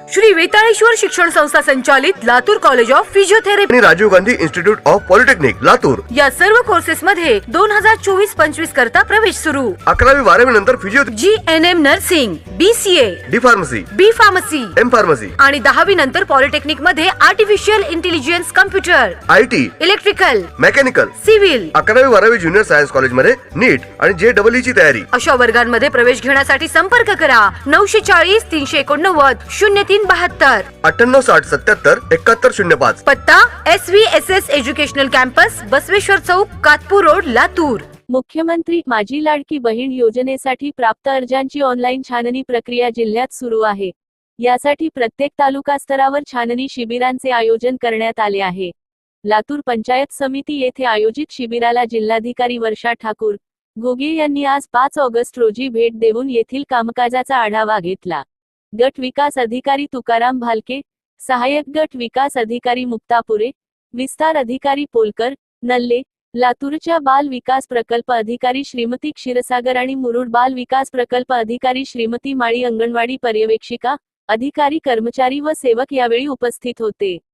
श्री वेताळेश्वर शिक्षण संस्था संचालित लातूर कॉलेज ऑफ फिजिओथेरपी आणि Rajiv Gandhi institute of polytechnic Latur या सर्व कोर्सेस मध्ये 2024-25 करता प्रवेश सुरू। 11वी 12वी नंतर GNM nursing, BCA, D pharmacy, B pharmacy, M pharmacy आणि 10वी नंतर पॉलिटेक्निक मध्ये artificial intelligence, computer, IT, electrical, mechanical, civil 11वी 12वी ज्युनियर सायन्स कॉलेज मध्ये नीट आणि JEE ची तयारी। अशा वर्गांमध्ये प्रवेश घेण्यासाठी संपर्क करा 940 389 0372, 9860 77 7105। पत्ता SVSS एज्युकेशनल कॅम्पस, बसवेश्वर चौक, कातपूर रोड, लातूर। मुख्यमंत्री माझी लाडकी बहीण योजनेसाठी प्राप्त अर्जांची ऑनलाईन छाननी प्रक्रिया जिल्ह्यात सुरू आहे। यासाठी प्रत्येक तालुका स्तरावर छाननी शिबिरांचे आयोजन करण्यात आले आहे। लातूर पंचायत समिती येथे आयोजित शिबिराला जिल्हाधिकारी वर्षा ठाकूर घोगे यांनी आज 5 ऑगस्ट रोजी भेट देऊन येथील कामकाजाचा आढावा घेतला। गट विकास अधिकारी तुकाराम भालके, सहाय्यक गट विकास अधिकारी मुक्तापुरे, विस्तार अधिकारी पोलकर, नल्ले, लातूरच्या बाल विकास प्रकल्प अधिकारी श्रीमती क्षीरसागर आणि मुरुड बाल विकास प्रकल्प अधिकारी श्रीमती माळी, अंगणवाडी पर्यवेक्षिका, अधिकारी, कर्मचारी व सेवक यावेळी उपस्थित होते।